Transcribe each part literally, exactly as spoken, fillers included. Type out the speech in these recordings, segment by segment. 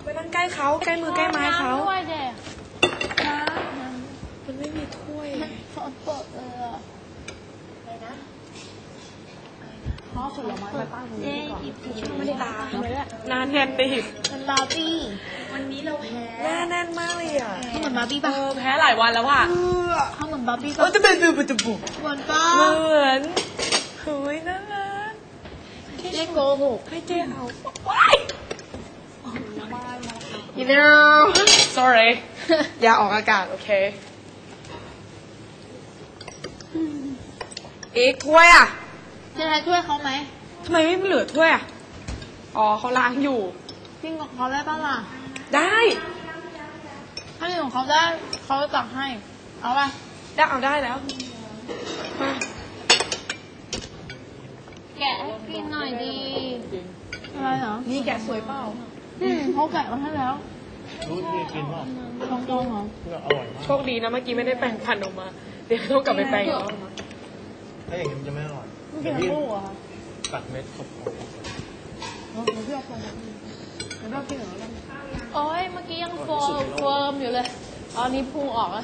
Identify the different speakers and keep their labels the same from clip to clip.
Speaker 1: ไปนั่งใกล้เขาใกล้มือใกล้ไม้เขา
Speaker 2: ด้วยเด็กน้
Speaker 1: มันไม่มีถ้วย
Speaker 2: ำเขาเปิดเลยอ่ะอะไรนะพ่อผลไม้ไปป้าคนนี้ก่อนไม่ได้ตามเลยอะ
Speaker 1: นานแน่นติด
Speaker 2: เป็นบาร์บี้
Speaker 3: วันนี้เราแพ้
Speaker 1: หน้าแน่นมากเลยอ่ะ
Speaker 2: เขาเหมือนบาร์บี้
Speaker 1: เอ
Speaker 2: ป่ะ
Speaker 1: อแพ้หลายวันแล้วว่ะ
Speaker 2: เขาเหมือนบาร์บี้
Speaker 1: เออ
Speaker 2: ป่ะ
Speaker 1: จะเป็นดูเป็นจะบุก
Speaker 2: เหมือนป้า
Speaker 1: เหมือนเฮ้ยน่ารัก
Speaker 2: เจ๊โกหก
Speaker 1: ให้เจ๊เอาว้าย you know sorry อย่าออกอากาศโอเคอีกถ้วยอ่ะ
Speaker 2: จะให้ช่วยเขาไหม
Speaker 1: ทำไมไม่เหลือถ้วยอ่ะอ๋อเขาล้างอยู่
Speaker 2: กินกับเขาได้ป่ะล่ะ
Speaker 1: ได้
Speaker 2: ถ้ากินของเขาได้เขาจะตักให้ เอาป่ะ
Speaker 1: ได้เอาได้แล้วมา
Speaker 2: แกะให้กินหน่อยดีอะไรเหรอ
Speaker 1: นี่แกะสวยเปล่า
Speaker 2: อืมเขาแกะมาให้แล้ว
Speaker 4: รู้ที่กินเปล่า
Speaker 2: ตรงตรงๆเหรอ
Speaker 4: เพื่ออร่อยมาก
Speaker 1: โชคดีนะเมื่อกี้ไม่ได้แปรงฟันออกมา เดี๋ยวต้องกลับไปแปรงอีกรอบนะ
Speaker 4: ถ้าอย่างนี้มันจะไม่อร่อย
Speaker 2: ไม่
Speaker 4: เดี๋
Speaker 2: กิ
Speaker 4: ย
Speaker 2: น
Speaker 4: วพี่
Speaker 2: ลูกเหรอคะ
Speaker 4: ตัดเม็ดขบ
Speaker 2: เดี๋ยวพี่เอาไปเดี๋ยวเรากินเหรอโอ้ยเมื่อกี้ยังโฟมเฟิร์มอยู่เลยอ๋อนี้พุงออกแล้ว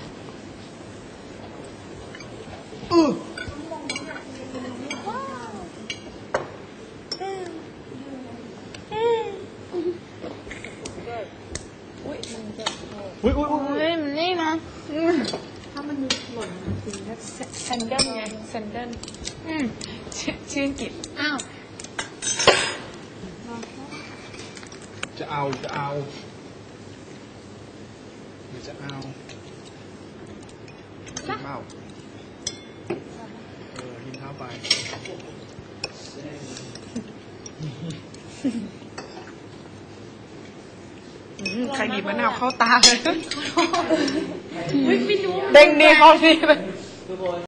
Speaker 4: อื้อ
Speaker 1: อุ้ยมันจะ
Speaker 4: อุ้ยอุ้ยอุ้ย
Speaker 2: เฮ้ยมันนี่นะ
Speaker 1: ถ้ามันหล่นมันคือแซนเดิลไงแซนเดิล
Speaker 2: อืม
Speaker 1: ชื่อชื่ออังกฤษ
Speaker 2: อ้าว
Speaker 4: จะเอาจะเอาหรือจะเอากินเปล่าเออกินข้าวไป
Speaker 1: อืมใครบีบมะนาวเข้าตาเลยเด้งดีเข้าดีเลย